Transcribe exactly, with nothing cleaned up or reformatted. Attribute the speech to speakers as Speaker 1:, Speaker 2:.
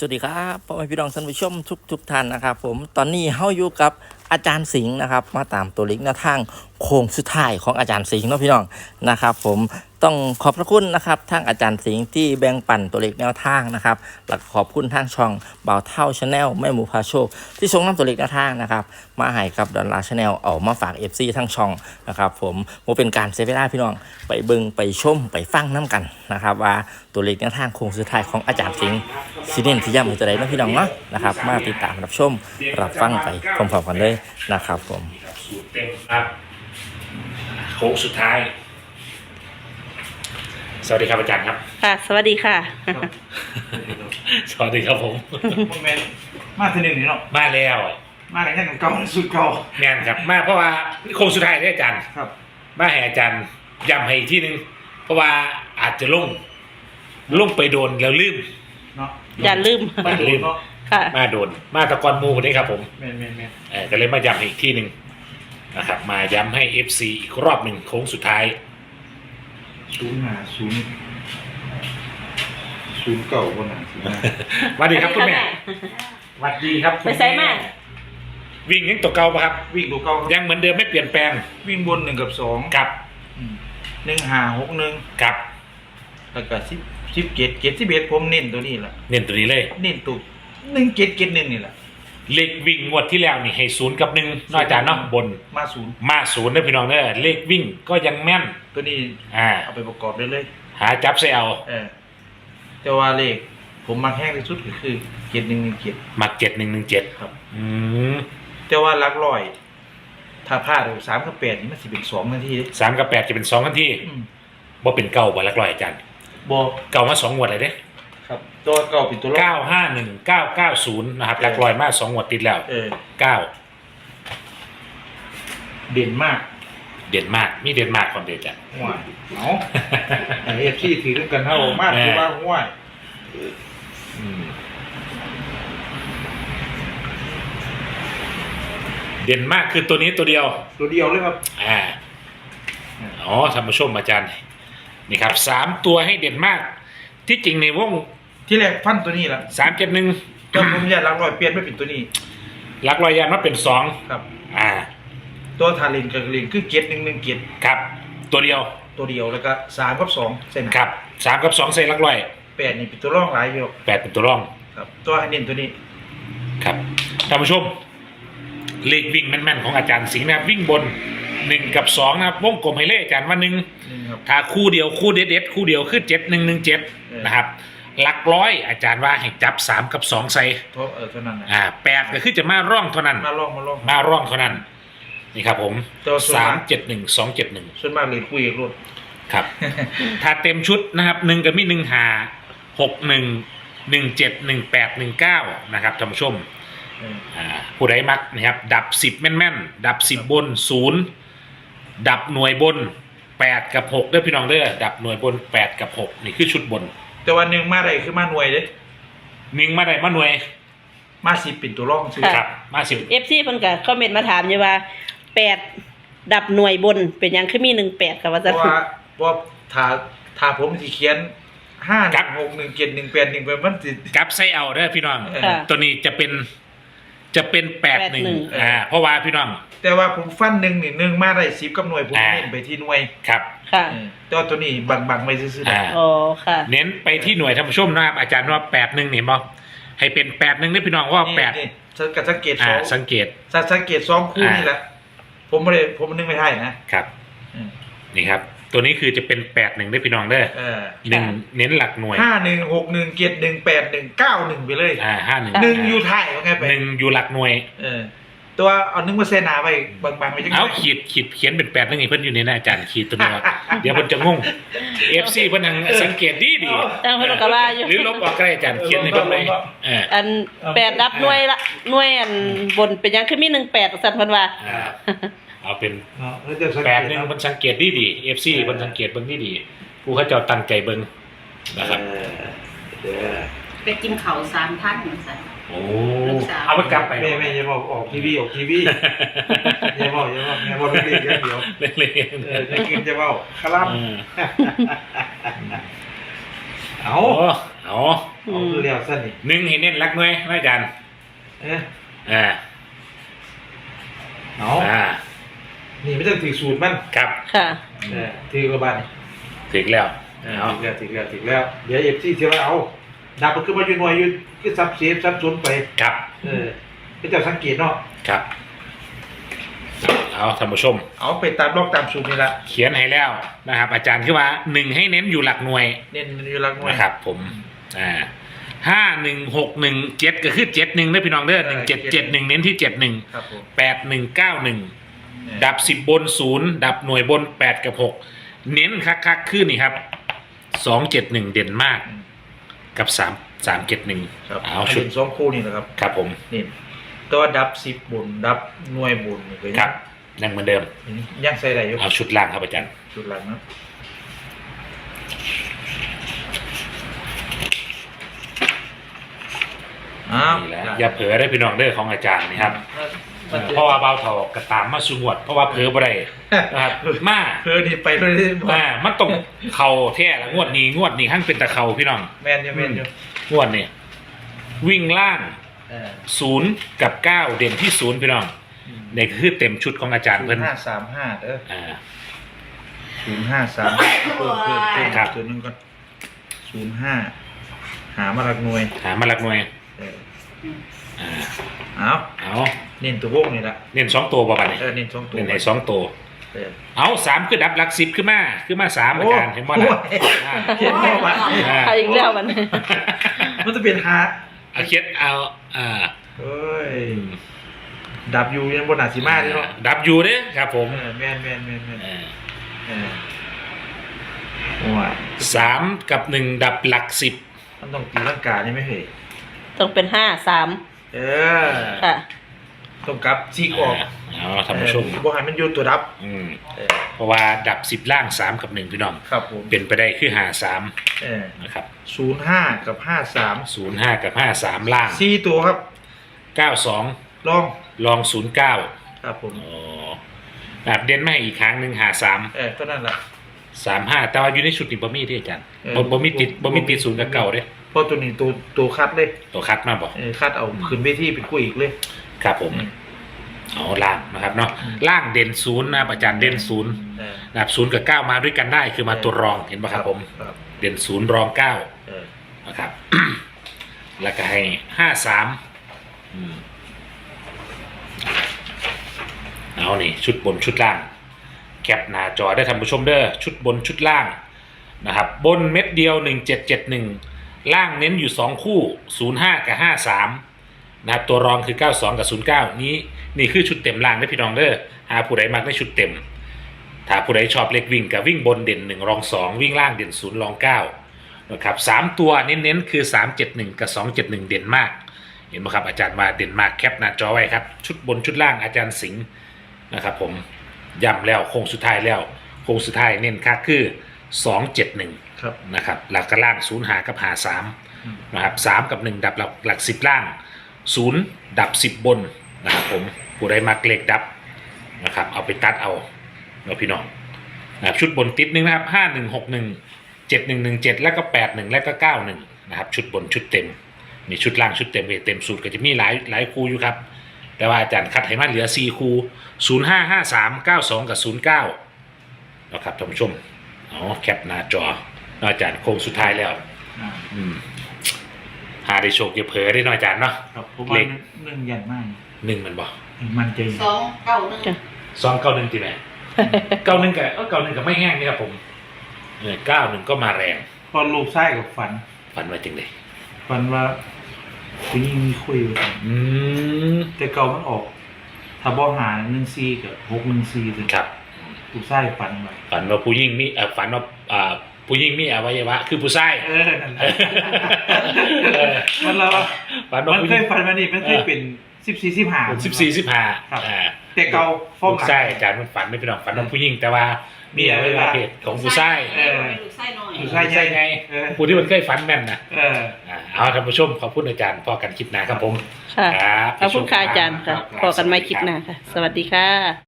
Speaker 1: สวัสดีครับพ่อแม่พี่น้องท่านผู้ชมทุกทุกท่านนะครับผมตอนนี้เฮาอยู่กับอาจารย์สิงห์นะครับมาตามตัวเลขแนวทางโค้งสุดท้ายของอาจารย์สิงห์เนาะพี่น้องนะครับผมต้องขอบพระคุณนะครับทางอาจารย์สิงห์ที่แบ่งปันตัวเลขแนวทางนะครับและขอบคุณทางช่องเบาเท่าชาแนลแม่หมูพาโชคที่ส่งนำตัวเลขแนวทางนะครับมาให้กับดอลลาร์ชาแนลเอามาฝาก เอฟ ซี ทั้งช่องนะครับผมโมเป็นการเซฟเวลาพี่น้องไปเบิ่งไปชมไปฟังน้ำกันนะครับว่าตัวเลขแนวทางโค้งสุดท้ายของอาจารย์สิงห์สิเน้นที่ย้ำให้ตัวใดเนาะพี่น้องเนาะนะครับมาติดตามรับชมรับฟังไปพร้อมๆกันเลยนะครับผม
Speaker 2: สูตรเต็มครับโค้งสุดท้ายสวัสดีครับอาจารย์ครับ
Speaker 3: ค่ะ สวัสดีค่ะ
Speaker 2: สวัสดีครับผม
Speaker 4: โมเมนต์มาทีหนึ่งนี่เนาะ
Speaker 2: มาแล้ว
Speaker 4: มากันแค่เก่าสุดเก่า
Speaker 2: แม่นครับมาเพราะว่าโค้งสุดท้ายได้อาจารย์
Speaker 4: ครับ
Speaker 2: มาให้อาจารย์ย้ำให้อีกที่หนึ่งเพราะว่าอาจจะลงลงไปโดนแล้วลืม
Speaker 4: เนาะ
Speaker 3: อย่าลืม
Speaker 2: มาลืม
Speaker 4: เนาะ
Speaker 3: ค่ะ
Speaker 2: มาโดนมาตะกอนหมูคนนี้ครับผม
Speaker 4: แมนแมนแมน
Speaker 2: เออก็เลยมาย้ำให้อีกที่หนึ่งนะครับมาย้ำให้ เอฟ ซี อีกรอบหนึ่งโค้งสุดท้าย
Speaker 4: ศูนย์หาศูนย์ศูนย์เก่าบนหนาศูนย์หา
Speaker 2: สวัสดีครับคุณแม่สวัสดีครับคุณ
Speaker 3: ไปใส่มา
Speaker 2: วิ่งยังตัวเก่าปะครับ
Speaker 4: วิ่งตัวเก่า
Speaker 2: ยังเหมือนเดิมไม่เปลี่ยนแปลง
Speaker 4: วิ่งบนหนึ่งกับสอง
Speaker 2: กับ
Speaker 4: อืมหนึ่งหาหกหนึ่ง
Speaker 2: กับ
Speaker 4: แล้วก็สิบสิบเจ็ดเจ็ดสิบเอ็ดผมเน้นตัวนี้แหละ
Speaker 2: เน้นตัวนี้เลย
Speaker 4: เน้นตัวหนึ่งเจ็ดเจ็ดหนึ่งนี่แหละ
Speaker 2: เลขวิ่งงวดที่แล้วนี่ให้ศูนย์กับหนึ่งนอกจากเนาะบน
Speaker 4: มาศูนย์
Speaker 2: มาศูนย์นะพี่น้องเด้อเลขวิ่งก็ยังแม่น
Speaker 4: ตัวนี้
Speaker 2: อ่า
Speaker 4: เอาไปประกอบได้เลย
Speaker 2: หาจับใส่เอา
Speaker 4: เออแต่ว่าเลขผมมาแห้งที่สุดก็คือเจ็ดหนึ่งหนึ่งเจ็ด
Speaker 2: มักเจ็ดหนึ่งหนึ่งเจ็ด
Speaker 4: ครับ
Speaker 2: อืม
Speaker 4: แต่ว่าหลักร้อย ถ้าพลาดสามกับแปดนี่มันสิเป็นสองนาทีเด้
Speaker 2: สามกับแปดจะเป็นสองทันที
Speaker 4: อืม
Speaker 2: บ่เป็นเก้าบ่ละร้อยอาจารย์
Speaker 4: บอก
Speaker 2: เก้ามาสองงวดเลยเด้
Speaker 4: ครับ ตัวเก่าเป็นตัวรอ
Speaker 2: เก้าห้าหนึ่งเก้าเก้าศูนย์นะครับหลักร้อยมาสองงวดติดแล้ว
Speaker 4: เออ
Speaker 2: เก้า
Speaker 4: เด่นมาก
Speaker 2: เด่นมากมีเด่นมากความเด่นจ้ะ
Speaker 4: ห่วยเอาไอเอฟซีถือกันเท่ามาก
Speaker 2: แม่
Speaker 4: คือว่าห่วย
Speaker 2: อืมเด่นมากคือตัวนี้ตัวเดียว
Speaker 4: ตัวเดียวเลยครับ
Speaker 2: อ่า อ๋อท่านผู้ชมอาจารย์ นี่ครับสามตัวให้เด่นมาก ที่จริงในวง
Speaker 4: ที่แรกฟันตัวนี้แหละ
Speaker 2: สามเจ็ดหนึ่ง
Speaker 4: จนผมอยากหลักร้อยเปลี่ยนไม่เป็นตัวนี้
Speaker 2: หลักรอยยานว่าเป็นสอง
Speaker 4: ครับ
Speaker 2: อ่า
Speaker 4: ตัวทาเลนกับเลนคือเกียรหนึ่งหนึ่งเกียร
Speaker 2: ครับ ตัวเดียว
Speaker 4: ตัวเดียวแล้วก็สามกับสองเส้น
Speaker 2: ครับสามกับสองใส่หลักรอย
Speaker 4: แปดนี่เป็นตัวร่องหลายอยู่
Speaker 2: แปดเป็นตัวร่อง
Speaker 4: ครับ ตัวให้เน้นตัวนี้
Speaker 2: ครับท่านผู้ชม เลขวิ่งแม่นๆของอาจารย์สิงห์นะครับวิ่งบนหนึ่งกับสองนะครับวงกลมให้เลขอาจารย์ว่าหนึ่ง
Speaker 4: นี่ครับ
Speaker 2: ถ้าคู่เดียวคู่เด็ดๆคู่เดียวคือเจ็ดหนึ่งหนึ่งเจ็ด
Speaker 4: เออ
Speaker 2: นะครับ หลักร้อยอาจารย์ว่าให้จับสามกับสองใส่
Speaker 4: เท่าเออเท่านั้นนะ
Speaker 2: อ่าแปดก็คือจะมาร่องเท่านั้น
Speaker 4: มาลองมาลอง
Speaker 2: มาร่องเท่านั้น นี่ครับผม
Speaker 4: ตัวส่วน
Speaker 2: สาม
Speaker 4: มาก
Speaker 2: เจ็ดหนึ่งสองเจ็ดหนึ่ง
Speaker 4: ส่วนมากเลยคุยกับรถ
Speaker 2: ครับ ถ้าเต็มชุดนะครับหนึ่งกับมีหนึ่งหาหกหนึ่งหนึ่งเจ็ดหนึ่งแปดหนึ่งเก้านะครับท่านผู้ชม
Speaker 4: เออ
Speaker 2: อ่าผู้ใดมักนะครับดับสิบแม่นๆ ดับสิบบนศูนย์ดับหน่วยบนแปดกับหกเด้อพี่น้องเด้อดับหน่วยบนแปดกับหกนี่คือชุดบน
Speaker 4: แต่วันหนึ่งมาได้คือมาหน่วยเด้
Speaker 2: หนึ่งมาได้มาหน่วย
Speaker 4: มาสิเป็นตัวร่องซื้อ
Speaker 3: ค่ะ
Speaker 2: ครับมาสิบ
Speaker 3: เอฟซีเพิ่นก็คอมเมนต์มาถามอยู่ว่าแปดดับหน่วยบนเป็นหยังคือมีหนึ่งแปดค่ะว่า
Speaker 4: เพ
Speaker 3: จะ
Speaker 4: ราะว่าเพราะถ้าถ้าผมสิเขียนห้าหนึ่งหกหนึ่งเจ็ดหนึ่งแปดหนึ่งไปมันสิ
Speaker 2: กับไซเอาเด้อพี่น้อง
Speaker 4: เออ
Speaker 3: ค่ะ
Speaker 2: ตัวนี้จะเป็นจะเป็นแปดหนึ่ง
Speaker 3: แปดหนึ่ง
Speaker 2: อ่าเพราะว่าพี่น้อง
Speaker 4: แต่ว่าผมฟันหนึ่งนี่หนึ่งมาได้สิบกับหน่วยผม
Speaker 2: อ่า
Speaker 4: เน้นไปที่หน่วย
Speaker 2: ครับ
Speaker 3: ค่ะ
Speaker 4: เออแต่ว่าตัวนี้บังบังๆไว้ซื่อๆ
Speaker 2: อ่า
Speaker 4: นะ
Speaker 3: อ๋อค่ะ
Speaker 2: เน้นไปที่หน่วยท่านผู้ชมนะครับอาจารย์ว่าแปดหนึ่งเห็นบ่ให้เป็นแปดหนึ่งนี่พี่น้องว่าแปด
Speaker 4: นี่สังกับสังเกตส
Speaker 2: อ่า
Speaker 4: อง
Speaker 2: สังเกต
Speaker 4: สังสังเกตสองคู่
Speaker 2: อ่านี่
Speaker 4: นี่แหละผมไม่ได้ผมนึกไม่ได้นะครับ อืม
Speaker 2: นี่ครับ ตัวนี้คือจะเป็นแปดหนึ่งได้พี่น้องเด้อ
Speaker 4: เออ
Speaker 2: หนึ่งเน้นหลักหน่วย
Speaker 4: ห้าหนึ่งหกหนึ่งเจ็ดหนึ่งแปดหนึ่งเก้าหนึ่งไปเลย
Speaker 2: อ่าห้าหนึ่ง
Speaker 4: หนึ่งอยู่ไทายว่าไงไป
Speaker 2: หนึ่งอยู่หลักหน่วย
Speaker 4: เออ ตัวเอาหนึ่งมาเซนาไปบางๆไปจัง
Speaker 2: เอา
Speaker 4: หน่อย
Speaker 2: ขีดขีดเขียนเป็นแปดนั่นเองเพิ่นอยู่ในหน้าอาจารย์ขีดตัวนี้ว่า เดี๋ยวเพิ่นจะงงเอฟซีเพิ่นทางสังเกตดีดี
Speaker 3: ตั้งเพิ่นก็ว่าอยู่
Speaker 2: หรือลบออกก็ได้อาจารย์เขียนในเพิ่นเลยเออ
Speaker 3: อันแปดดับหน่วยละหน่วยอันบนเป็นหยังคือมีหนึ่งแปดสั่นเพิ่นว่า
Speaker 2: อ่าเอาเป็น
Speaker 4: เนาะแล้วจะสัง
Speaker 2: แป
Speaker 4: เก
Speaker 2: ด
Speaker 4: ต
Speaker 2: หนึ่ง
Speaker 4: นะ
Speaker 2: เพิ่นสังเกตดีดีเอฟซีเพิ่นสังเกตเบิ่งดีดีผู้เขาเจ้าตั้งใจเบิ่งนะครับ
Speaker 4: เออเดี๋ยว
Speaker 5: ไปกินเขาวสามท่านเหมือนกัน
Speaker 2: โอ้เอาไปกลับไป
Speaker 4: แม่แม่อย่าบอกออกทีวีออกทีวีอย่าบอกอย่าบอกอย่าบอกเล็กๆอย่างเดียว
Speaker 2: เล็ก
Speaker 4: เออจะกินจะเบ้าคลั่ม
Speaker 2: ๆอืม
Speaker 4: เอา
Speaker 2: โอ้เอา
Speaker 4: เอาคือแล้วสั้นนี่
Speaker 2: หนึ่งให้เน้นรักหน่วยนะอาจารย์
Speaker 4: เอ๊ะ
Speaker 2: อ่า
Speaker 4: เอา
Speaker 2: อ่า
Speaker 4: นี่ไม่ต้องถือสูตรมัน
Speaker 3: ค
Speaker 2: ครับ
Speaker 3: ่ะ
Speaker 4: เออถือกระบาดนี่
Speaker 2: ถึงแล้ว
Speaker 4: เออ
Speaker 2: เอา
Speaker 4: ถือแล้วถือแล้วถือแล้วเดี๋ยวเอฟซีเสียว่าเอาดับมันคือมาอยู่หน่วยอยู่คือซับเซฟซับซ้อนไป
Speaker 2: ครับ
Speaker 4: เออก็จะสังเกตเนาะ
Speaker 2: ครับเอาท่านผู้ชม
Speaker 4: เอาไปตามล็อกตามสูตรนี่ละ
Speaker 2: เขียนให้แล้วนะครับ อาจารย์คือว่าหนึ่งให้เน้นอยู่หลักหน่วย
Speaker 4: เน้นอยู่หลักหน่วย
Speaker 2: นะครับ ผมอ่าห้าหนึ่งหกหนึ่งเจ็ดก็คือเจ็ดหนึ่งได้พี่น้องเด้อหนึ่งเจ็ดเจ็ดหนึ่งเน้นที่เจ็ดหนึ่ง
Speaker 4: ครับผม
Speaker 2: แปดหนึ่งเก้าหนึ่งดับสิบบนศูนย์ดับหน่วยบนแปดกับหกเน้นคักๆขึ้นนี่ครับสองเจ็ดหนึ่งเด่นมากกับสามสามเจ็ดหนึ่ง
Speaker 4: ครับ
Speaker 2: เอาชุด
Speaker 4: นสองคู่นี่นะครับ
Speaker 2: ครับผม
Speaker 4: นี่ตัวดับสิบบนดับหน่วยบนนี่ก็ยัง
Speaker 2: ครับยังเหมือนเดิม
Speaker 4: ยังใส่ได้อยู่
Speaker 2: เอาชุดล่างครับอาจารย์
Speaker 4: จุดหลังนะอ้าว
Speaker 2: นี่แหละอย่าเผลอได้พี่น้องเด้อของอาจารย์นี่ครับ
Speaker 4: มันจะ
Speaker 2: เพราะว่าเบาเถากระตามมาสุงวด เพราะว่าเผลอบ่ได้นะครับมา
Speaker 4: เพื่อนี่ไปเลยที่บอก
Speaker 2: อ่ามันต้องเข่าแท้ละงวดนี้งวดนี้ขั้นเป็นตะเข่าพี่น้อง
Speaker 4: แมนอยู่แมนอยู่
Speaker 2: งวดนี้วิ่งล่าง
Speaker 4: เออ
Speaker 2: ศูนย์กับเก้าเด่นที่ศูนย์พี่น้องนี่คือเต็มชุดของอาจารย์
Speaker 4: ศู
Speaker 2: เพิ่
Speaker 4: น
Speaker 2: น
Speaker 4: ย์ห้าสามห้าเด้อ
Speaker 2: อ่า
Speaker 4: ศูนย์ห้าสามเพิ่มเพิ่มเพิ่ม
Speaker 2: ครับ
Speaker 4: ตัวนึงก่อนศูนย์ห้าหามาหลักหน่วย
Speaker 2: หามาหลักหน่วย
Speaker 4: เออ
Speaker 2: อ่า
Speaker 4: เอา
Speaker 2: เอา
Speaker 4: เน้นตัววงนี่ละ
Speaker 2: เน้นสองตัวบ่บัดนี้
Speaker 4: เออเน้นสองตัว
Speaker 2: เน้นให้สองตัว
Speaker 4: เออ
Speaker 2: เอาสามคือดับหลักสิบขึ้นมาขึ้นมาสามอาจารย์เห็นบ่
Speaker 4: โอ้
Speaker 2: ล่ะ
Speaker 4: ย
Speaker 2: อ่า
Speaker 4: เขียนบอกว่า
Speaker 2: อ่า
Speaker 3: เอาอีกแล้วมัน
Speaker 4: มันจะเป็นหา
Speaker 2: เอาเขียนเอาอ่า
Speaker 4: เอ้ยดับอยู่ยังบนหนาสีมาเลยเนาะ
Speaker 2: ดับอยู่เด้อครับผม
Speaker 4: เออแมนแมนแมนแมน
Speaker 2: เออ
Speaker 4: เออโอ้ย
Speaker 2: สามกับหนึ่งดับหลักสิบ
Speaker 4: มันต้องตีร่างกายนี่ไหมเฮ้ย
Speaker 3: ต้องเป็นห้าสาม
Speaker 4: เออ
Speaker 3: ค่ะ
Speaker 4: ต้องกลับซีกออก
Speaker 2: เอาท่านผู้ชม
Speaker 4: บ่ให้มันอยู่ตัวดับ
Speaker 2: อืม
Speaker 4: เออ
Speaker 2: เพราะว่าดับสิบล่างสามกับหนึ่งพี่น้อง
Speaker 4: ครับผม
Speaker 2: เป็นไปได้คือหาสาม
Speaker 4: เออ
Speaker 2: นะครับ
Speaker 4: ศูนย์ห้ากับห้าสาม
Speaker 2: ศูนย์ห้ากับห้าสามล่าง
Speaker 4: สี่ตัวครับ
Speaker 2: เก้าสอง
Speaker 4: ลอง
Speaker 2: ลองศูนย์เก้า
Speaker 4: ครับผม
Speaker 2: อ๋อแบบเด่นไม่อีกครั้งหนึ่งหาสาม
Speaker 4: เออก็นั่นแหละ
Speaker 2: สามห้าแต่ว่าอยู่ในชุดนี้บ่มีที่อาจารย์
Speaker 4: เออ
Speaker 2: บ่บ่มีติดบ่มีติดศูนย์กับเก่าเด้
Speaker 4: เพราะตัวนี้ตัวตัวคัดเลย
Speaker 2: ตัวคัดมาบ่
Speaker 4: เออคัดเอาขึ้นเวทีเป็นคู่อีกเลย
Speaker 2: ครับผม
Speaker 4: อืม
Speaker 2: เอาล่างนะครับเนาะ
Speaker 4: อืม
Speaker 2: ล่างเด่นศูนย์นะครับอาจารย์เด่นศูนย์
Speaker 4: เออ
Speaker 2: นะครับศูนย์กับเก้ามาด้วยกันได้คือมาตัวรองเห็นป่ะครับผม
Speaker 4: ครับ
Speaker 2: เด่นศูนย์รองเก้า
Speaker 4: เออ
Speaker 2: นะครับ แล้วก็ให้ห้าสามเอานี่ชุดบนชุดล่าง แคปหน้าจอได้ท่านผู้ชมเด้อชุดบนชุดล่างนะครับ บนเม็ดเดียวหนึ่งเจ็ดเจ็ดหนึ่งล่างเน้นอยู่สองคู่ศูนย์ห้ากับห้าสามนะครับตัวรองคือเก้าสองกับศูนย์เก้านี้นี่คือชุดเต็มล่างได้อพี่น้องเด้อหาผู้ใดมักได้ชุดเต็ม ถ้าผู้ใดชอบเล็กวิ่งกับวิ่งบนเด่นหนึ่งรองสองวิ่งล่างเด่นศูนย์รองเก้านะครับสามตัวเน้นๆคือสามเจ็ดหนึ่งกับสองเจ็ดหนึ่งเด่นมาก เห็นไหมครับอาจารย์มาเด่นมากแคปหน้าจอไว้ครับชุดบนชุดล่างอาจารย์สิงห์นะครับผมย้ำแล้วโค้งสุดท้ายแล้วโค้งสุดท้ายเน้นค่าคือสองเจ็ดหนึ่ง
Speaker 4: ครับ
Speaker 2: นะครับหลักกระล่างศูนย์หากับหาสาม
Speaker 4: อืม
Speaker 2: นะครับสามกับหนึ่งดับหลักหลักสิบล่างศูนย์ดับสิบบนนะครับผมผู้ใดมักเลขดับนะครับเอาไปตัดเอาเนาะพี่น้องนะครับชุดบนติดหนึ่งนะครับห้าหนึ่งหกหนึ่งเจ็ดหนึ่งหนึ่งเจ็ดแล้วก็แปดหนึ่งแล้วก็เก้าหนึ่งนะครับชุดบนชุดเต็มมีชุดล่างชุดเต็มเต็มสูตรก็จะมีหลายหลายคู่อยู่ครับแต่ว่าอาจารย์คัดให้มาเหลือสี่คู่ศูนย์ห้าห้าสามเก้าสองกับศูนย์เก้านะครับท่านผู้ชมเอาแคปหน้าจออาจารย์โค้งสุดท้ายแล้ว
Speaker 4: อ่า
Speaker 2: อืมหาได้โชคอย่าเผลอได้หน่อยอาจารย์เนาะ
Speaker 4: ครับผมว่า
Speaker 2: เลข
Speaker 4: หนึ่งยันมาก
Speaker 2: หนึ่งมันบอก
Speaker 4: มันใจ
Speaker 5: สองเก้าหนึ่ง
Speaker 2: สองเก้าหนึ่งตีไหม เก้าหนึ่งกับเก้าหนึ่งกับไม่แห้งนี่ครับผมเออเก้าหนึ่งก็มาแรง
Speaker 4: พอลูกไส้กับฝัน
Speaker 2: ฝันว่าจริงเลย
Speaker 4: ฝันว่าคุณยิ่งมีคุยอยู่
Speaker 2: อืม
Speaker 4: แต่เก่ามันออก ถ้าบ่หาหนึ่งซีกับหกหนึ่งซีเลย
Speaker 2: ครับ
Speaker 4: ลูกไส้ฝันไว้
Speaker 2: ฝันว่าผู้หญิงมีเอ่อฝันว่าอ่าผู้หญิงมีอวัยวะ คือผู้ชาย
Speaker 4: เออนั่นแหละมันเรา
Speaker 2: ฝันว่า
Speaker 4: มัน
Speaker 2: ผู้ห
Speaker 4: เค
Speaker 2: ญิ
Speaker 4: ย
Speaker 2: ง
Speaker 4: ฝันมานี่มันเคยเป็นสิบสี่สิบห้า
Speaker 2: สิบสี่สิบห้า
Speaker 4: ครับ
Speaker 2: อ่า
Speaker 4: แต่เก่าฟ้อง
Speaker 2: ผู้ชายอาจารย์มันฝันไม่เป็นหรอกฝันว่าผู้หญิงแต่ว่ามีอวัยวะเพศของผู้ชาย
Speaker 5: เออลูกไส้น้อย
Speaker 4: ลูกไส้
Speaker 2: ใช่ไง
Speaker 4: เออ
Speaker 2: ผู้ที่มันเคยฝันแม่นนะ
Speaker 4: เออ
Speaker 2: อ่าเอาท่านผู้ชมขอบคุณอาจารย์พอกันคลิปหน้าครับผม
Speaker 3: ค่ะ
Speaker 2: ครับ
Speaker 3: ขอบคุณค่ะอาจารย์ค่ะพอกันไม่คลิปหน้าค่ะ สวัสดีค่ะ